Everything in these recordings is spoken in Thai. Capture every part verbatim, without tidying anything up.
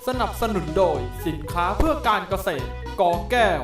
สนับสนุนโดยสินค้าเพื่อการเกษตรกอแก้ว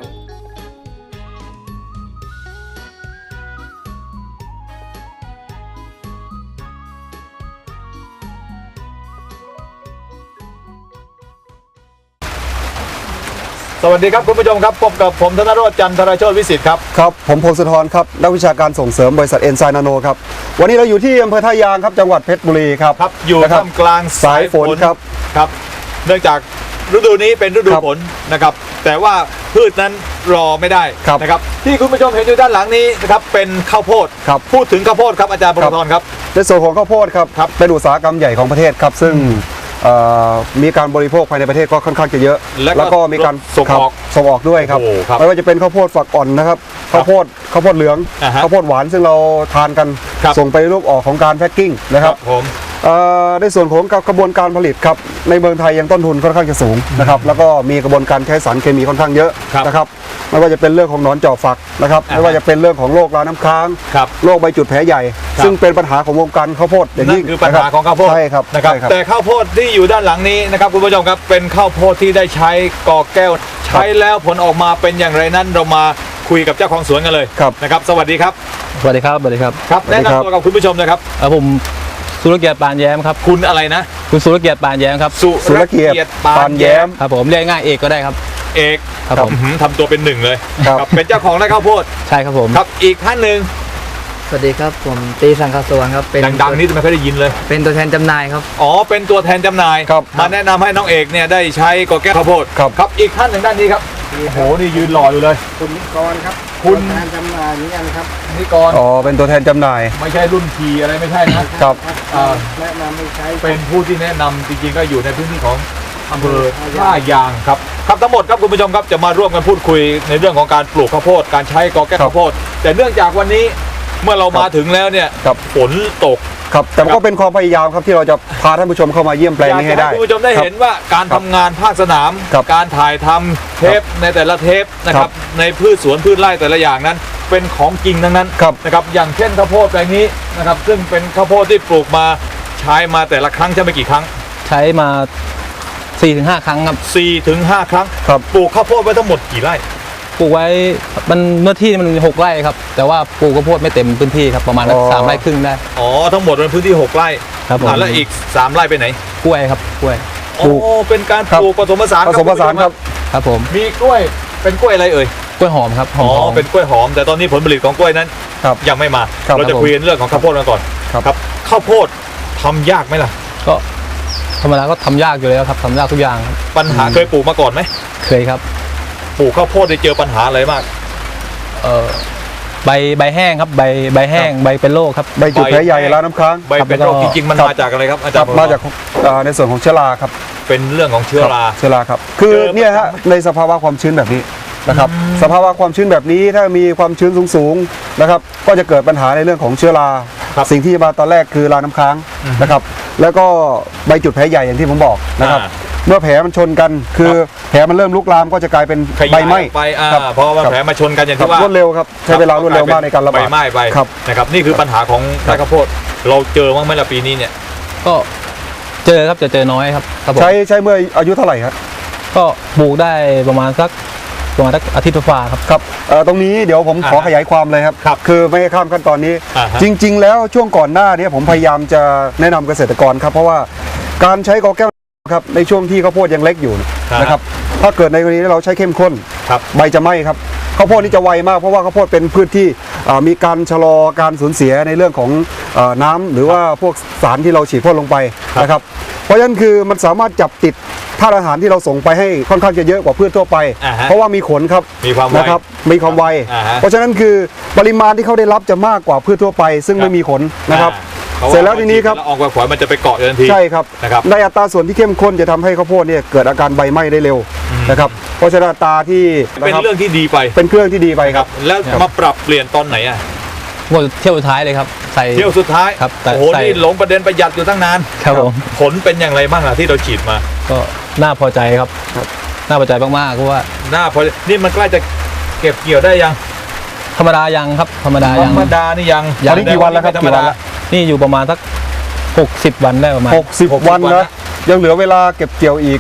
สวัสดีครับคุณผู้ชมครับพบกับผมธนโรจน์จันทรโชติวิสิทธิ์ครับครับผมพงศธรครับนักวิชาการส่งเสริมบริษัทเอ็นไซน์นาโนครับวันนี้เราอยู่ที่อำเภอท่ายางครับจังหวัดเพชรบุรีครับครับอยู่ท่ามกลางสายฝนครับครับเนื่องจากฤดูนี้เป็นฤดูฝนนะครับแต่ว่าพืชนั้นรอไม่ได้นะครับที่คุณผู้ชมเห็นอยู่ด้านหลังนี้นะครับเป็นข้าวโพดพูดถึงข้าวโพดครับอาจารย์พงศธรครับในส่วนของข้าวโพดครับเป็นอุตสาหกรรมใหญ่ของประเทศครับซึ่งมีการบริโภคภายในประเทศก็ค่อนข้างจะเยอะแล้วก็มีการส่งออกส่งออกด้วยครับไม่ว่าจะเป็นข้าวโพดฝักอ่อนนะครับข้าวโพดข้าวโพดเหลืองข้าวโพดหวานซึ่งเราทานกันส่งไปรูปออกของการแพ็คกิ้งนะครับในส่วนของกระบวนการผลิตครับในเมืองไทยยังต้นทุนค่อนข้างจะสูงนะครับแล้วก็มีกระบวนการใช้สารเคมีค่อนข้างเยอะนะครับไม่ว่าจะเป็นเรื่องของหนอนเจาะฝักนะครับไม่ว่าจะเป็นเรื่องของโรคราน้ำค้างโรคใบจุดแผลใหญ่ซึ่งเป็นปัญหาของวงการข้าวโพดอย่างนี้คือปัญหาของข้าวโพดใช่ครับนะครับแต่ข้าวโพดที่อยู่ด้านหลังนี้นะครับคุณผู้ชมครับเป็นข้าวโพดที่ได้ใช้กอแก้วใช้แล้วผลออกมาเป็นอย่างไรนั้นเรามาคุยกับเจ้าของสวนกันเลยนะครับสวัสดีครับสวัสดีครับสวัสดีครับครับแนะนำตัวกับคุณผู้ชมนะครับผมสุรเกียรติปานแย้มครับคุณอะไรนะคุณสุรเกียรติปานแย้มครับสุรเกียรติปานแย้มครับผมเรียกง่ายเอกก็ได้ครับเอกครับผมทำตัวเป็นหนึ่งเลยครับเป็นเจ้าของไร่ข้าวโพดใช่ครับผมครับอีกท่านหนึ่งสวัสดีครับผมตีสังคสวนครับเป็นดังๆนี่ไม่ค่อยได้ยินเลยเป็นตัวแทนจำหน่ายครับอ๋อเป็นตัวแทนจำหน่ายมาแนะนำให้น้องเอกเนี่ยได้ใช้กอแก้วข้าวโพดครับอีกท่านหนึ่งด้านนี้ครับโอ้โหนี่ยืนหล่ออยู่เลยคุณนิกรครับคุณตัวแทนจำหน่ายนี่กันครับนิกรอ๋อเป็นตัวแทนจำหน่ายไม่ใช่รุ่นทีอะไรไม่ใช่นะครับแนะนำให้ใช้เป็นผู้ที่แนะนำจริงๆก็อยู่ในพื้นที่ของอำเภอท่ายางครับครับทั้งหมดครับคุณผู้ชมครับจะมาร่วมกันพูดคุยในเรื่องของการปลูกข้าวโพดการใช้กอแก้วข้าวโพดแต่เนื่องจากวันนี้เมื่อเรามาถึงแล้วเนี่ยฝนตกครับแต่ก็เป็นความพยายามครับที่เราจะพาท่านผู้ชมเข้ามาเยี่ยมแปลงนี้ให้ได้คุณผู้ชมได้เห็นว่าการทำงานภาคสนามการถ่ายทำเทปในแต่ละเทปนะครับในพืชสวนพืชไร่แต่ละอย่างนั้นเป็นของจริงทั้งนั้นนะครับอย่างเช่นข้าวโพดแปลงนี้นะครับซึ่งเป็นข้าวโพดที่ปลูกมาใช้มาแต่ละครั้งใช่ไหมกี่ครั้งใช้มา สี่ถึงห้า ครั้งครับสี่ถึงห้า ครั้งปลูกข้าวโพดไว้ทั้งหมดกี่ไร่ปลูกไว้มันเมื่อที่มันมีหกไร่ครับแต่ว่าปลูกข้าวโพดไม่เต็มพื้นที่ครับประมาณสามไร่ครึ่งได้อ๋อทั้งหมดเป็นพื้นที่หกไร่ครับผมแล้วอีกสามไร่ไปไหนกล้วยครับกล้วยโอ้เป็นการปลูกผสมผสานผสมผสานครับครับผมมีกล้วยเป็นกล้วยอะไรเอ่ยกล้วยหอมครับอ๋อเป็นกล้วยหอมแต่ตอนนี้ผลผลิตของกล้วยนั้นยังไม่มาเราจะคุยเรื่องของข้าวโพดกันก่อนครับข้าวโพดทำยากไหมล่ะก็ธรรมดาก็ทำยากอยู่แล้วครับทำยากทุกอย่างปัญหาเคยปลูกมาก่อนไหมเคยครับปลูกข้าวโพดได้เจอปัญหาอะไรมากเออใบใบแห้งครับใบใบแห้งใบเป็นโรคครับใบจุดแผลใหญ่ราน้ำค้างใบเป็นโรคจริงๆมันมาจากอะไรครับอาจารย์มาจากในส่วนของเชื้อราครับเป็นเรื่องของเชื้อราเชื้อราครับคือเนี่ยฮะในสภาวะความชื้นแบบนี้นะครับสภาวะความชื้นแบบนี้ถ้ามีความชื้นสูงๆนะครับก็จะเกิดปัญหาในเรื่องของเชื้อราสิ่งที่มาตอนแรกคือราน้ำค้างนะครับแล้วก็ใบจุดแผลใหญ่อย่างที่ผมบอกนะครับเมื่อแผลมันชนกันคือแผลมันเริ่มลุกลามก็จะกลายเป็นใบไหม้ไปเพราะว่าแผลมาชนกันอย่างที่ว่ารวดเร็วครับใช้เวลารวดเร็วมากในการระบาดใบไหม้ไปนะครับนี่คือปัญหาของไร่ข้าวโพดเราเจอบ้างไหมล่ะปีนี้เนี่ยก็เจอครับจะเจอน้อยครับใช้ใช้เมื่ออายุเท่าไหร่ครับก็ปลูกได้ประมาณสักประมาณสักอาทิตย์ฝ่าครับครับตรงนี้เดี๋ยวผมขอขยายความเลยครับคือไม่ให้ข้ามขั้นตอนนี้จริงๆแล้วช่วงก่อนหน้านี้ผมพยายามจะแนะนำเกษตรกรครับเพราะว่าการใช้กอแก้วครับในช่วงที่ข้าวโพดยังเล็กอยู่นะครับถ้าเกิดในกรณีเราใช้เข้มข้นใบจะไหม้ครับข้าวโพดนี่จะไวมากเพราะว่าข้าวโพดเป็นพืชที่มีการชะลอการสูญเสียในเรื่องของน้ำหรือว่าพวกสารที่เราฉีดพ่นลงไปนะครับเพราะฉะนั้นคือมันสามารถจับติดธาตุอาหารที่เราส่งไปให้ค่อนข้างจะเยอะกว่าพืชทั่วไปเพราะว่ามีขนครับนะครับมีความไวเพราะฉะนั้นคือปริมาณที่เขาได้รับจะมากกว่าพืชทั่วไปซึ่งไม่มีขนนะครับเสร็จแล้วทีนี้ครับออกไปฝอยมันจะไปเกาะทันทีใช่ครับในอัตราส่วนที่เข้มข้นจะทำให้ข้าวโพดเนี่ยเกิดอาการใบไหม้ได้เร็วนะครับเพราะฉะนั้นอัตราที่เป็นเรื่องที่ดีไปเป็นเครื่องที่ดีไปครับแล้วมาปรับเปลี่ยนตอนไหนอ่ะเที่ยวสุดท้ายเลยครับใส่เที่ยวสุดท้ายครับโอ้โหนี่หลงประเด็นประหยัดอยู่ตั้งนานครับผมผลเป็นอย่างไรบ้างล่ะที่เราฉีดมาก็น่าพอใจครับน่าพอใจมากๆเพราะว่าน่าพอนี่มันใกล้จะเก็บเกี่ยวได้ยังธรรมดายังครับธรรมดายังธรรมดานี่ยังตอนนี้กี่วันแล้วครับกี่วันแล้วนี่อยู่ประมาณสักหกสิบวันได้ประมาณหกสิบวันนะยังเหลือเวลาเก็บเกี่ยวอีก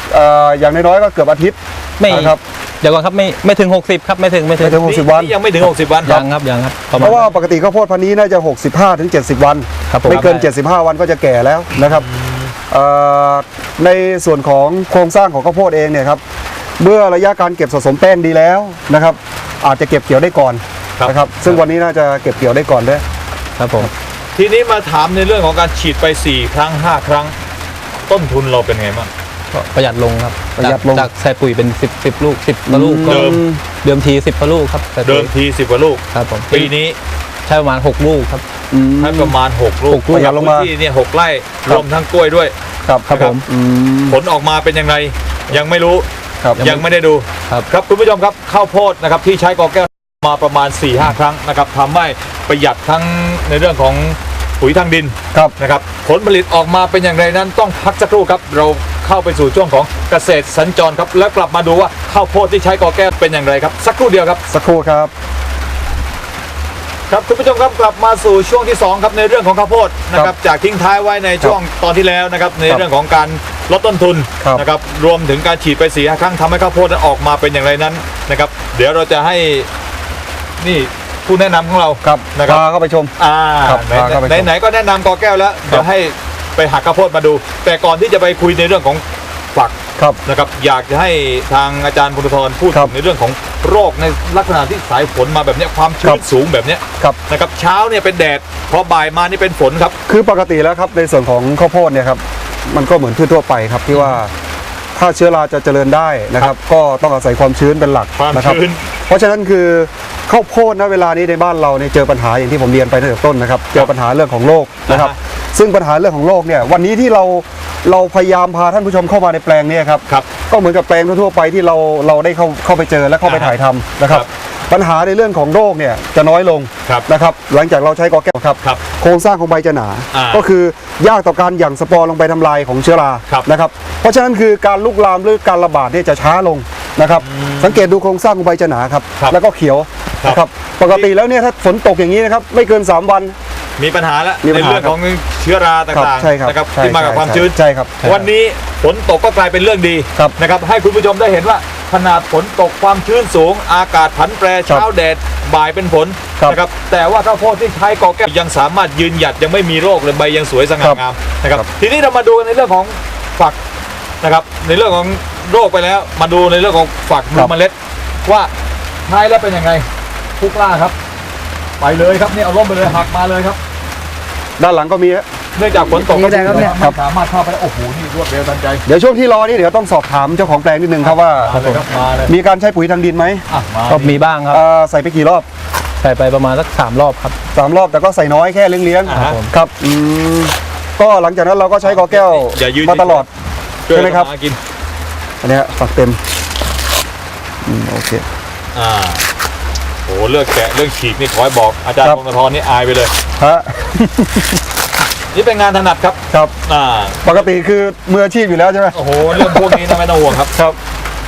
เอ่ออย่างน้อยๆก็เกือบอาทิตย์ไม่นะครับเดี๋ยวก่อนครับไม่ไม่ถึงหกสิบครับไม่ถึงไม่ถึงไม่ถึงหกสิบวันนี่ยังไม่ถึงหกสิบวันยังครับยังครับประเพมาณราะว่าปกติข้าวโพดพันธุ์นี้น่าจะ หกสิบห้าถึงเจ็ดสิบ วันครับผมไม่เกิน เจ็ดสิบห้า วันก็จะแก่แล้วนะครับเอ่อในส่วนของโครงสร้างของข้าวโพดเองเนี่ยครับเมื่อระยะการเก็บสะสมแป้งดีแล้วนะครับอาจจะเก็บเกี่ยวได้ก่อนครับนะครับซึ่งวันนี้น่าจะเก็บเกี่ยวได้ก่อนด้วยครับผมทีนี้มาถามในเรื่องของการฉีดไปสี่ครั้งห้าครั้ง ต้นทุนเราเป็นไงบ้างก็ประหยัดลงครับประหยัดลงจากจากใส่ปุ๋ยเป็นสิบสิบลูกสิบกว่าลูกก็เดิมเดิมทีสิบกว่าลูกครับใส่ปุ๋ยเดิมทีสิบกว่าลูกครับผมปีนี้ใช้ประมาณหกลูกครับอืมให้ประมาณหกลูกหกลูกจากลงพื้มานที่เนี่ยหกไร่ครัรบวมทั้งกล้วยด้วยครับครับผมอืมผลออกมาเป็นยังไงยังไม่รู้ครับยังไม่ได้ดูครับครับคุณผู้ชมครับข้าวโพดนะครับที่ใช้กอแก้วมาประมาณ สี่ห้า ครั้งนะครับทำให้ประหยัดทั้งในเรื่องของปุ๋ยทางดินครับนะครับผลผลิตออกมาเป็นอย่างไรนั้นต้องพักสักครู่ครับเราเข้าไปสู่ช่วงของเกษตรสัญจรครับแล้วกลับมาดูว่าข้าวโพดที่ใช้กอแก้วเป็นอย่างไรครับสักครู่เดียวครับสักครู่ครับครับคุณผู้ชมครับกลับมาสู่ช่วงที่สองครับในเรื่องของข้าวโพดนะครับจากทิ้งท้ายไว้ในช่วงตอนที่แล้วนะครับในเรื่องของการลดต้นทุนครับนะครับรวมถึงการฉีดไปสี่ห้าครั้งทำให้ข้าวโพดนั้นออกมาเป็นอย่างไรนั้นนะครับเดี๋ยวเราจะให้นี่ผู้แนะนำของเราครับนะครับพาเข้าไปชมอ่าครับไหนพาเข้าไปชมไหนไหนก็แนะนำกอแก้วแล้วเดี๋ยวให้ไปหักข้าวโพดมาดู แต่ก่อนที่จะไปคุยในเรื่องของฝักครับนะครับอยากจะให้ทางอาจารย์พุทธธรพูดครัถึบงในเรื่องของโรคในลักษณะที่สายฝนมาแบบเนี้ยความคชื้รันบสูงแบบเนี้ยครับนะครับเช้าเนี่ยเป็นแดดพอบ่ายมานี่เป็นฝนครับคือปกติแล้วครับในส่วนของข้าวโพดเนี่ยครับมันก็เหมือนพืชทั่วไปครับที่ว่าถ้าเชื้อราจะเจริญได้นะครับ ก็ต้องอาศัยความชื้นเป็นหลักความนะครับชื้นเพราะฉะนั้นคือข้าวโพดณเวลานี้ในบ้านเราเนี่ยเจอปัญหาอย่างที่ผมเรียนไปตั้งแต่ต้นนะครับเจอปัญหาเรื่องของโรคนะครับอ่าฮะซึ่งปัญหาเรื่องของโรคเนี่ยวันนี้ที่เราเราพยายามพาท่านผู้ชมเข้ามาในแปลงเนี้ครับครับก็เหมือนกับแปลงทั่วๆไปที่เราเราได้เข้าเข้าไปเจอและเข้าไปอ่าฮะถ่ายทำนะครับครับปัญหาในเรื่องของโรคเนี่ยจะน้อยลงครับนะครับหลังจากเราใช้กอแก้วครับครับโครงสร้างของใบจะหนาอ่าก็คือยากต่อการหยั่งสปอร์ลงไปทำลายของเชื้อราครับนะครับเพราะฉะนั้นคือการลุกลามหรือการระบาดเนี่ยจะช้าลงนะครับสังเกตดูโครงสร้างของใบจะหนาครับครับแล้วก็เขียวครับนะครับปกติแล้วเนี่ยถ้าฝนตกอย่างนี้นะครับไม่เกินสามวันมีปัญหาแล้วมีปัในญหาเรื่องของเชื้อราครับต่างใช่ครับๆนะครับใช่ที่มากับใช่ความชื้นใช่ครับวันนี้ฝนตกก็กลายเป็นเรื่องดีครับนะครับให้คุณผู้ชมได้เห็นว่าขนาดฝนตกความชื้นสูง อากาศผันแปรเช้าแดดบ่ายเป็นฝนครับนะครับแต่ว่าข้าวโพดที่ใช้กอแก้วยังสามารถยืนหยัดยังไม่มีโรคเลยใบยังสวยสง่างามนะครับครับทีนี้เรามาดูในเรื่องของฝักนะครับในเรื่องของโรคไปแล้ว มาดูในเรื่องของฝักดูเมล็ด ว่าใช้แล้วเป็นยังไงทุกล่าครับ ไปเลยครับนี่เอาร่มไปเลยหักมาเลยครับด้านหลังก็มีฮะเนื่องจากฝนตกนี่ได้ครับเนี่ยไม่สามารถเข้าไปได้โอ้โหนี่รวดเร็วทันใจเดี๋ยวช่วงที่รอนี่เดี๋ยวต้องสอบถามเจ้าของแปลงนิดนึงครับว่ามาเลยครับมาเลยมีการใช้ปุ๋ยทางดินไหมอ่ะมาก็มีบ้างครับเอ่อใส่ไปกี่รอบใส่ไปประมาณสักสามรอบครับสามรอบแต่ก็ใส่น้อยแค่เลี้ยงอ่าฮะๆครับอืมก็หลังจากนั้นเราก็ใช้กอแก้วอย่ายืนมาตลอดช่วยใช่ไหมครับทำากินอันเนี้ยฝักเต็มอืมโอเคอ่าโอ้เลือกแกะเรื่องฉีกนี่ขอให้บอกอาจารย์ครับพงศธรนี่อายไปเลยฮะนี่เป็นงานถนัดครับครับอ่าปกติคือมืออาชีพอยู่แล้วใช่ไหมโอ้โหเรื่องพวกนี้นะไม่ต้องห่วงครับครับ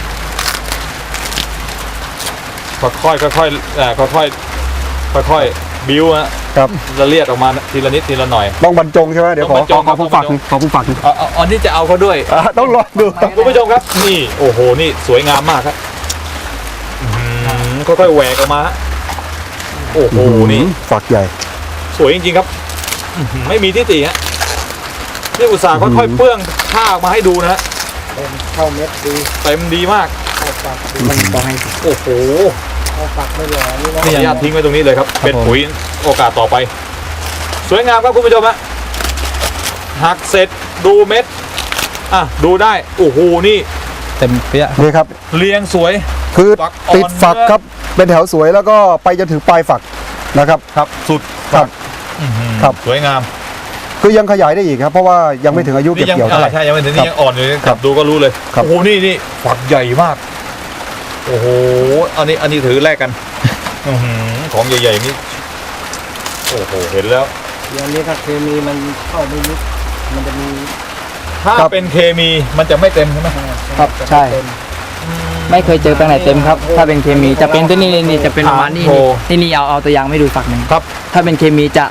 ค่อยๆค่อยๆเอ่อค่อยๆค่อยๆบิ้วฮะครับละเลียดออกมาทีละนิดทีละหน่อยต้องบรรจงใช่ไหมเดี๋ยวขอต้องบรรจงขอผู้ครัฝับกหนึ่งขอผู้ฝักหนึ่งเอาเอาอันนี้จะเอาเขาด้วยอ่ะต้องรอดูครับคุณผู้ชมครับนี่โอ้โหนี่สวยงามมากครับอื้อหือค่อยๆแหวกออกมาฮะโอ้โหนี่ฝักใหญ่สวยจริงๆครับอื้อหือไม่มีที่ติฮะนี่อุตส่าห์ค่อยๆเปื้องผ้าออกมาให้ดูนะฮะเป็นเข้าเม็ดดีเต็มดีมากเข้าฝักดีมันต้องให้โอ้โหเข้าฝักไม่หล่อนี่ขอนะอนุญาตทิ้งไว้ตรงนี้เลยครับครับเป็นผมปุ๋ยโอกาสต่อไป สวยงามครับคุณผู้ชมฮะหักเสร็จดูเม็ดอ่ะดูได้โอ้โหนี่เต็มเปี้ยนี่ครับเรียงสวยคือฝักอ่อนติดฝักเนื้อครับเป็นแถวสวยแล้วก็ไปจนถึงปลายฝักนะครับครับสุดครับอื้อหือครับสวยงามคือยังขยายได้อีกครับ เพราะว่ายังไม่ถึงอายุเก็บนี่ยังเกี่ยวเท่าไหร่อ่าใช่ยังไม่ถึงครันี่บยังอ่อนอยู่เลยครับดูก็รู้เลยครับโอ้โหนี่นี่ฝักใหญ่มากโอ้โหอันนี้อันนี้ถือแลกกันอื้อหือของใหญ่ๆนี่โอ้โหเห็นแล้วอย่างนี้ถ้าเคมีมันเข้าไม่ลึกมันจะมีถ้าครับเป็นเคมีมันจะไม่เต็มใช่ไหมครับใช่ ไม่เคยเจอแปลงไหนเต็มครับ ถ้าเป็นเคมีจะเป็นตัวนี้นี่จะเป็นประมาณนี้โอ้นี่นี่นี่เอาเอาตัวอย่างไม่ดูฝักหนึ่งครับถ้าเป็นเคมีจะ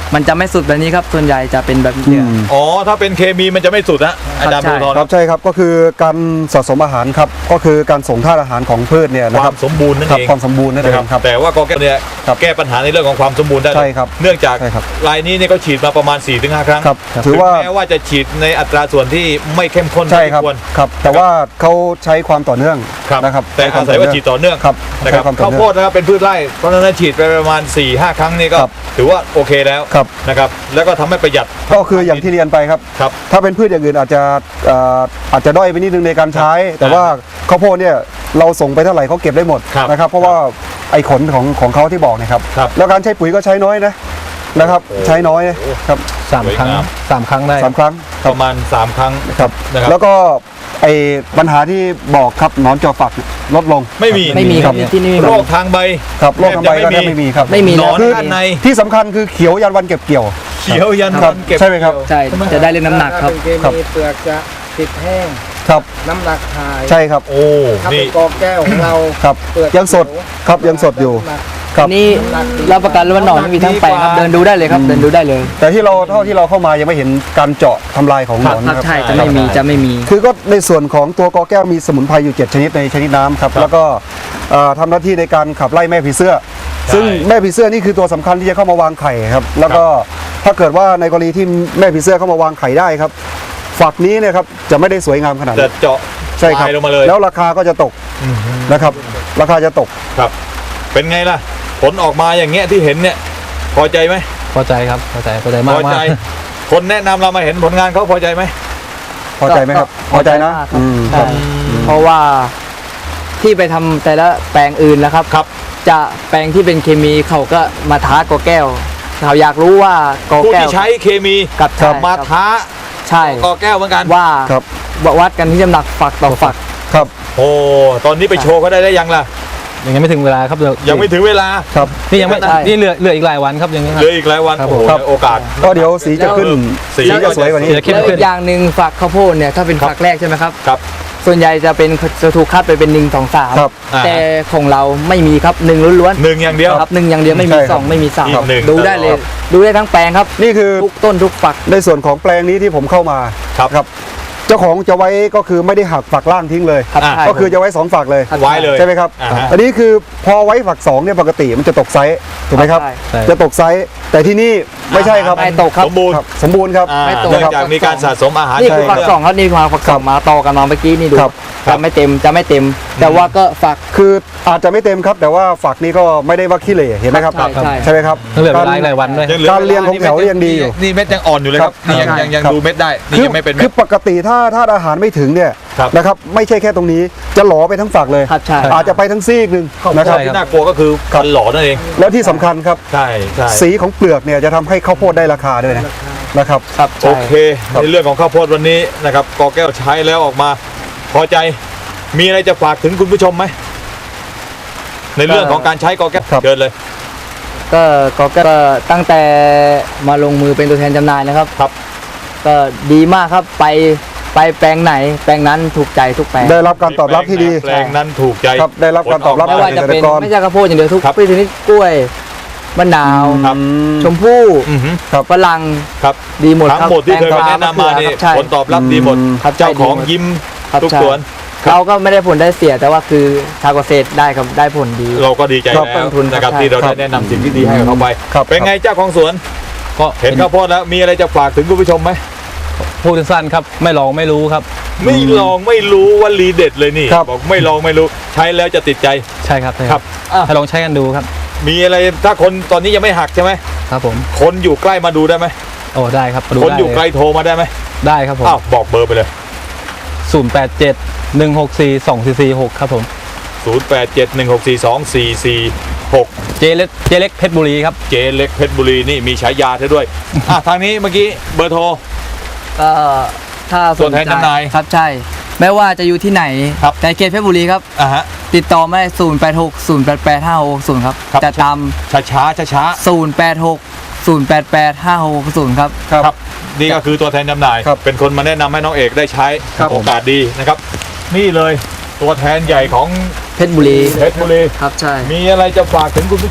มันจะไม่สุดแบบนี้ครับส่วนใหญ่จะเป็นแบบนี้อืมอ๋อถ้าเป็นเคมีมันจะไม่สุดนะอาจารย์ใช่บุญทรครับใช่ครับก็คือการสะสมอาหารครับก็คือการส่งธาตุอาหารของพืชเนี่ยคนะควารับมสมบูรณ์นั่นครับเองความสมบูรณ์นั่นเองครับแต่ว่ากอแก้วเนี่ยครับแก้ปัญหาในเรื่องของความสมบูรณ์ได้เลยใช่ครับเนื่องจากใช่ครับรายนี้เนี่ยก็ฉีดมาประมาณ สี่ถึงห้า ครั้งครับถือว่าแม้ว่าจะฉีดในอัตราส่วนที่ไม่เข้มข้นใช่เท่าครับที่ควรครับแต่ว่าเขาใช้ความต่อเนื่องครับนะครับแต่อาศัยว่าฉีดต่อเนื่องครับนะครับใช้ความต่อข้าวเนื่โพองดนะครับเป็นพืชไร่เพราะฉะนั้นฉีดไปประมาณ สี่ห้า ครั้งนี่ก็ครับถือว่าโอเคแล้วครับนะครับแล้วก็ทำให้ประหยัดก็คืออย่างที่เรียนไปครับครับถ้าเป็นพืชอย่างอื่นอาจจะเอ่ออาจจะด้อยไปนิดนึงในการใช้ แต่ว่าข้าวโพดเนี่ยเราส่งไปเท่าไหร่เขาเก็บได้หมดครับนะครับ เพราะว่าไอ้ขนของของเขาที่บอกเนะครับครับแล้วการใช้ปุ๋ยก็ใช้น้อยนะนะครับโอ้ใช้น้อยนะครับสามครั้งสวยงามสามครั้งได้สามครั้งประมาณ สาม ครั้งครับนะครับแล้วก็ไอ้ปัญหาที่บอกครับหนอนจอฝักลดลงไม่มีไม่มีครับที่นี่ไม่โรมีคทางใบครับโรคทางใบก็แทแทบบ จะไม่มีครับไม่มีหนอนแล้วด้านในที่สำคัญคือเขียวยันวันเก็บเกี่ยวเขียวยันครัวับนเก็บใช่ไหมครับใช่จะได้เล่นน้ำหนักครับถ้าเป็นเคครับมีเปลือกจะติดแห้งครับน้ำหนักหายใช่ครับโอ้ถ้าเป็นี่นกอแก้วของเราครับเปลือกยังสดครับยังสดอยู่น้ำหนักครับนี่รับประกันเลยว่าหนอนไม่มีทั้งแปลงครับเดินดูได้เลยครับเดินดูได้เลยแต่ที่เราเท่าที่เราเข้ามายังไม่เห็นการเจาะทำลายของหนอนครับนะครับใช่จะไม่มีจะไม่มีคือก็ในส่วนของตัวกอแก้วมีสมุนไพรอยู่ เจ็ด ชนิดในชนิดน้ำครับแล้วก็เอ่อทำหน้าที่ในการขับไล่แม่ผีเสื้อ ซึ่งแม่ผีเสื้อนี่คือตัวสำคัญที่จะเข้ามาวางไข่ครับแล้วก็ถ้าเกิดว่าในกรณีที่แม่ผีเสื้อเข้ามาวางไข่ได้ครับฝักนี้เนี่ยครับจะไม่ได้สวยงามขนาดจะนั้นเจาะใช่ครับลายลงมาเลยแล้วราคาก็จะตกนะครับราคาจะตกครับ เป็นไงล่ะ ผลออกมาอย่างเงี้ยที่เห็นเนี่ย พอใจไหมพอใจครับพอใจพอใจพมากอใจมากคนแนะนำเรามาเห็นผลงานเขาพอใจไหมพอใจไหมครับก็พอใจนะมากครับอืมคใช่รับเพราะว่าที่ไปทำแต่ละแปลงอื่นแล้วครับครับจะแปลงที่เป็นเคมีเขาก็มาท้ากอแก้วเขาอยากรู้ว่ากอผู้แก้วที่ใช้เคมีกับกลับใช่มาครับท้าใช่กอแก้วเหมือนกันว่าครับวัดกันที่น้ำหนักฝักต่อฝักครับโอ้ตอนนี้ไปโชว์เขาได้ได้ยังล่ะยังไม่ถึงเวลาครับเดี๋วยังไม่ถึงเวลาครับนี่ยังไม่ใช่นี่เหลือเหลืออีกหลายวันครับยังนี้คเหรับลืออีกหลายวันครับโอ้โหครับโอกาสก็เดี๋ยวสีจะขึ้นสีสีจะสวยกว่านี้สีจะเข้มแล้วขึ้อีนกอย่างหนึ่งฝักข้าวโพดเนี่ยถ้าเป็นครับฝักแรกใช่ไหมครับครับส่วนใหญ่จะเป็นจะถูกคัดไปเป็นหนึ่งสองสามครับอ่าแต่ของเราไม่มีครับหนึ่งล้วนหนึ่งอย่างเดียวๆครับหนึ่งอย่างเดียวไม่มีใช่ครับสองไม่มีสามอีกหนึ่งดูได้เลยตลอดดูได้ทั้งแปลงครับนี่คือทุกต้นทุกฝักในส่วนของแปลงนี้ที่ผมเข้ามาครับครับ เจ้าของจะไว้ก็คือไม่ได้หักฝักล่างทิ้งเลยครับอ่าใช่ก็คือจะไว้สองฝักเลยครับไว้เลยใช่ไหมครับอ่าฮะอันนี้คือพอไว้ฝักสองเนี่ยปกติมันจะตกไซส์ถูกไหมครับใช่ใช่จะตกไซส์แต่ที่นี่ไม่ใช่ครับไม่ตกครับสมบูรณ์ครับสมบูรณ์ครับอ่าไม่ตกเนื่องจากมีการสะสมอาหารนี่คือใช่ฝักสองครับนี่คือฝักสองมาต่อกันมาเมื่อกี้นี่ดูครับครับจะไม่เต็มจะไม่เต็ม แต่ว่าก็ฝักคืออาจจะไม่เต็มครับ แต่ว่าฝักนี้ก็ไม่ได้ว่าขี้เหร่เห็นไหมครับใช่ใช่ใช่ไหมครับยังเหลือเวลาอีกหลายวันด้วยยังหลือการเรียงของแถวยังดีอยู่นี่เม็ดยังอ่อนอยู่เลยครับครับนี่ยังใช่ยังยังครับดูเม็ดได้นี่คือยังไม่เป็นเม็คืดอปกติถ้าถ้าอาหารไม่ถึงเนี่ยครับนะครับไม่ใช่แค่ตรงนี้จะหลอไปทั้งฝักเลยครับใช่อาจจะไปทั้งซีกหนึ่งนะครับที่น่ากลัวก็คือฟันหล่อนั่นเองแล้วที่สำคัญครับใช่ใช่สีของเปลือกเนี่ยจะทำให้ข้าวโพดได้ราคาด้วยนะนะครับครับโอใช่เคในเรื่องของข้าวโพดวันนี้นะครับกอแก้วใช้แล้วออกมา พอใจมีอะไรจะฝากถึงคุณผู้ชมไหมในเรื่องของการใช้กอแก้วครับเดินเลยก็ก็ก็ตั้งแต่มาลงมือเป็นตัวแทนจำหน่ายนะครับครับก็ดีมากครับไปไปแปลงไหน แปลงนั้นถูกใจทุกแปลงได้รับการตอบรับที่ดีแปลงนั้นถูกใจครับได้รับการตอบรับไม่ว่าจะเป็นเกษตรกรไม่ใช่ข้าวโพดอย่างเดียวทุกครับพืชชนิดกล้วยมะนาวครับชมพู่อือหือฝรั่งครับดีหมดทั้งครับหมดที่เคยแตงกวแนะนำมานี่ะเขือครับใช่ผลตอบรับดีหมดครับเจ้าของใช่ดีหมดยิ้มครับทุกใช่สวนเราก็ไม่ได้ผลได้เสียแต่ว่าคือชาวเกษตรได้ครับได้ผลดีเราก็ดีใจครับแล้วต้นทุนนะครับครับที่เราครัได้บแนะนำสิ่งที่ดีให้กับเขาไปครับเป็นไงเจ้าของสวนก็เห็นข้าวโพดแล้วมีอะไรจะฝากถึงคุณผู้ชมไหมพูดสั้นๆครับไม่ลองไม่รู้ครับไม่ลองไม่รู้ว่ารีเด็ดเลยนี่ครับบอกไม่ลองไม่รู้ใช้แล้วจะติดใจใช่ครับใช่ครับให้ลองใช้กันดูครับมีอะไรถ้าคนตอนนี้ยังไม่หักใช่ไหมครับผมคนอยู่ใกล้มาดูได้ไหมโอ้ได้ครับมาดูคนได้อยู่ไกลเลยโทรมาได้ไหมได้ครับผมอ้าวบอกเบอร์ไปเลยศูนย์แปดเจ็ดหนึ่งหกสี่สองสี่สี่หกครับผมศูนย์ แปด เจ็ด หนึ่ง หก สี่ สอง สี่ สี่ หกเจเล็กเจเล็กเพชรบุรีครับเจเล็กเพชรบุรีนี่มีฉายาเธอด้วย อ่ะทางนี้เมื่อกี้เบอร์โทรก็ถ้าสนตัวแทนใจจำหน่ายครับใช่ไม่ว่าจะอยู่ที่ไหนครับในเขตเพชรบุรีครับอ่ะฮะติดต่อมาได้ศูนย์แปดหกศูนย์แปดแปดห้าหกศูนย์ครับครับจะตามช้าช้าช้าช้าศูนย์แปดหกศูนย์แปดแปดห้าหกศูนย์ครับครับครับนี่ก็คือตัวแทนจำหน่ายครับเป็นคนมาแนะนำให้น้องเอกได้ใช้ครับโอกาสดีนะครับ นี่เลยตัวแทนใหญ่ของเพชรบุรีเพชรบุรีครับใช่มีอะไรจะฝากถึงคุณผู้ชม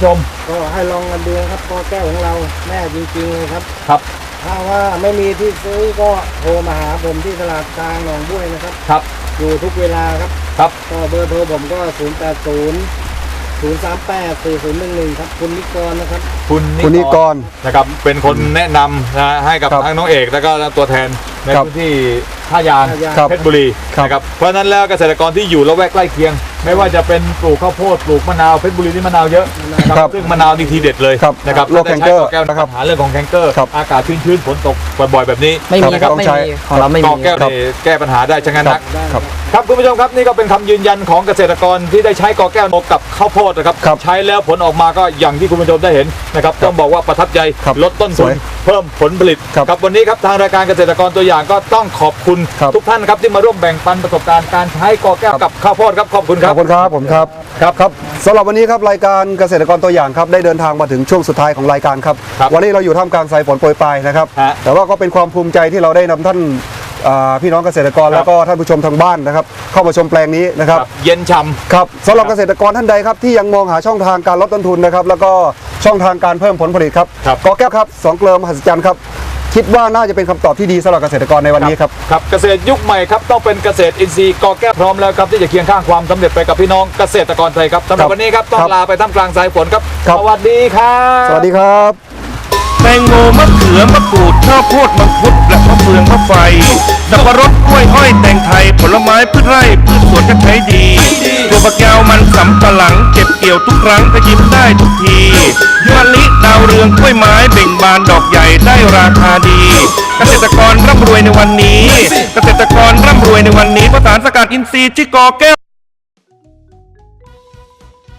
ก็ให้ลองกันดูครับกอแก้วของเราแม่จริงๆเลยครับครับถ้าว่าไม่มีที่ซื้อก็โทรมาหาผมที่ตลาดกลางหนองบ้วยนะครับครับอยู่ทุกเวลาครับครับก็เบอร์โทรผมก็ ศูนย์ แปด ศูนย์ ศูนย์ สาม แปด สี่ ศูนย์ หนึ่ง หนึ่ง ครับคุณนิกรนะครับคุณคุณนิกรนะครับเป็นคนแนะนำนะให้กับครับทั้งน้องเอกแล้วก็ตัวแทนในครับพื้นที่ท่ายางท่ายางเพชรบุรีครับนะครับเพราะฉะนั้นแล้วเกษตรกรที่อยู่ละแวกใกล้เคียง ไม่ว่าจะเป็นปลูกข้าวโพดปลูกมะนาวเพชรบุรีนี่มะนาวเยอะนะคครัรับบ ซึ่งมะนาวนี่ทีเด็ดเลยครับนะครับโรคแคนเกอร์ถ้าได้ใช้กอแก้วนะครับปัญหาเรื่องของแคนเกอร์ครับอากาศชื้นๆฝนตกบ่อยๆแบบนี้ไม่มีนะคครัรับบ ไม่ใช้มีของเราไม่กมีอแก้วครับนี่แก้ปัญหาได้ชะงันนักได้ครับครับคุณผู้ชมครับนี่ก็เป็นคำยืนยันของเกษตรกรที่ได้ใช้กอแก้วกับข้าวโพดนะครับครับใช้แล้วผลออกมาก็อย่างที่คุณผู้ชมได้เห็นนะครับต้องบอกว่าประทับใจครับลดต้นสทุวน ยเพิ่มผลผลิตครับครับวันนี้ครับทางรายการเกษตรกรตัวอย่างก็ต้องขอบคุณครับทุกท่านครับที่มาร่วมแบ่งปันประสบการณ์การใช้กอแก้วกับข้าวโพดครับขอบคุณคขรัอบบคุณครับผมครับครับครับสำหรับวันนี้ครับรายการเกษตรกรตัวอย่างครับได้เดินทางมาถึงช่วงสุดท้ายของรายการครับครับวันนี้เราอยู่ท่ามกลางสายฝนโปรยปลายนะครับฮะแต่ว่าก็เป็นความภูมิใจที่เราได้นำท่านอ่าพี่น้องเกษตรกรครับแล้วก็ท่านผู้ชมทางบ้านนะครับเข้ามาชมแปลงนี้นะครับเย็นฉ่ครับสำหรับเกษตรกรท่านใดครับที่ยังมองหาช่องทางการลดต้นทุนนะครับแล้วก็ช่องทางการเพิ่มผลผลิตครับครับกอแก้วครับสองเกลือมหัศจรรย์ครับคิดว่าน่าจะเป็นคำตอบที่ดีสำหรับเกษตรกรในวันนี้ครับครับเกษตรยุคใหม่ครับต้องเป็นเกษตรอินทรีย์กอแก้วพร้อมแล้วครับที่จะเคียงข้างความสำเร็จไปกับพี่น้องเกษตรกรไทยครับสำหรับครับวันนี้ครับต้องครับลาไปท่ามกลางสายฝนครับครับสวัสดีครับสวัสดีครับแตงโมมะเขือมะกรูดข้าวโพดมังคุดและมะเฟืองมะไฟสับปะรดกล้วยอ้อยแตงไทยผลไม้พืชไร่พืชสวนก็ใช้ดีถั่วฝักยาวมันสำปะหลังเก็บเกี่ยวทุกครั้งก็ยิ้มได้ทุกทีมะลิดาวเรืองกล้วยไม้เบ่งบานดอกใหญ่ได้ราคาดี เกษตรกรร่ำรวยในวันนี้ เกษตรกรร่ำรวยในวันนี้เพราะสารสกัดอินทรีย์ที่กอแก้ว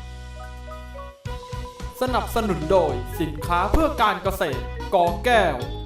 สนับสนุนโดยสินค้าเพื่อการเกษตรกอแก้ว